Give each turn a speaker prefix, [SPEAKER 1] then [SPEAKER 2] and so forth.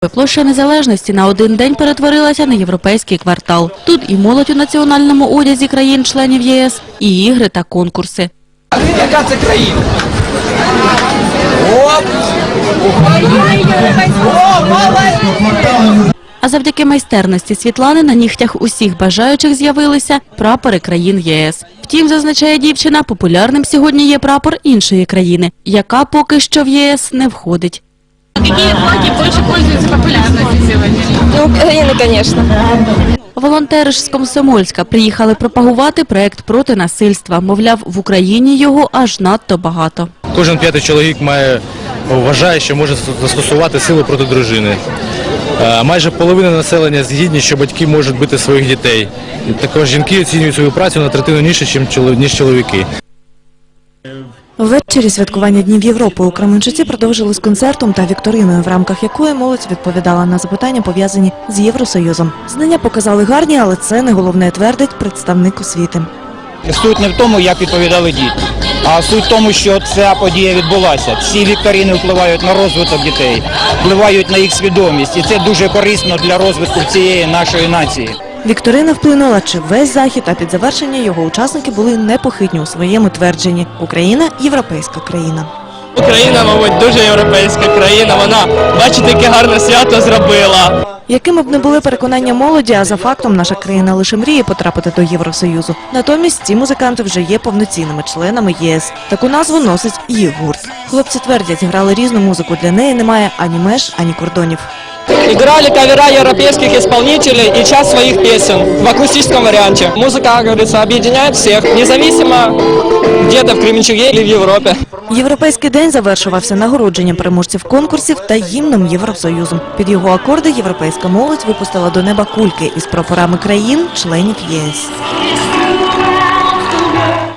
[SPEAKER 1] Площа Незалежності на один день перетворилася на європейський квартал. Тут і молодь у національному одязі країн-членів ЄС, і ігри та конкурси.
[SPEAKER 2] Яка це країна? Оп! О, молодець!
[SPEAKER 1] А завдяки майстерності Світлани на нігтях усіх бажаючих з'явилися прапори країн єС. Втім, зазначає дівчина, популярним сьогодні є прапор іншої країни, яка поки що в ЄС не входить.
[SPEAKER 3] Какие флаги больше пользуются популярностью сегодня?
[SPEAKER 4] Ну, Украина, конечно.
[SPEAKER 1] Волонтери ж з Комсомольська приїхали пропагувати проект проти насильства. Мовляв, в Україні його аж надто багато.
[SPEAKER 5] Кожен п'ятий чоловік вважає, що може застосувати силу проти дружини. Майже половина населення згідні, що батьки можуть бити своїх дітей. Також жінки оцінюють свою працю на третину нижче, ніж чоловіки.
[SPEAKER 6] Ввечері святкування Днів Європи у Кременчуці продовжили з концертом та вікториною, в рамках якої молодь відповідала на запитання, пов'язані з Євросоюзом. Знання показали гарні, але це не головне, твердить представник освіти.
[SPEAKER 7] Суть не в тому, як відповідали діти, а суть в тому, що ця подія відбулася. Ці вікторини впливають на розвиток дітей, впливають на їх свідомість, і це дуже корисно для розвитку цієї нашої нації.
[SPEAKER 6] Вікторина вплинула чи весь захід, а під завершення його учасники були непохитні у своєму твердженні. Україна – європейська країна.
[SPEAKER 8] Україна, мабуть, дуже європейська країна. Вона, бачите, яке гарне свято зробила.
[SPEAKER 6] Якими б не були переконання молоді, а за фактом наша країна лише мріє потрапити до Євросоюзу. Натомість ці музиканти вже є повноцінними членами ЄС. Таку назву носить їх гурт. Хлопці твердять, грали різну музику, для неї немає ані меж, ані кордонів.
[SPEAKER 8] Играли кавера европейских исполнителей и часть своих песен в акустическом варианте. Музыка, как говорится, объединяет всех, независимо где-то в Кременчуге или в Европе.
[SPEAKER 6] Європейський день завершувався нагородженням переможців конкурсів та гімном Євросоюзу. Під його акорди європейська молодь випустила до неба кульки із прапорами країн-членів ЄС.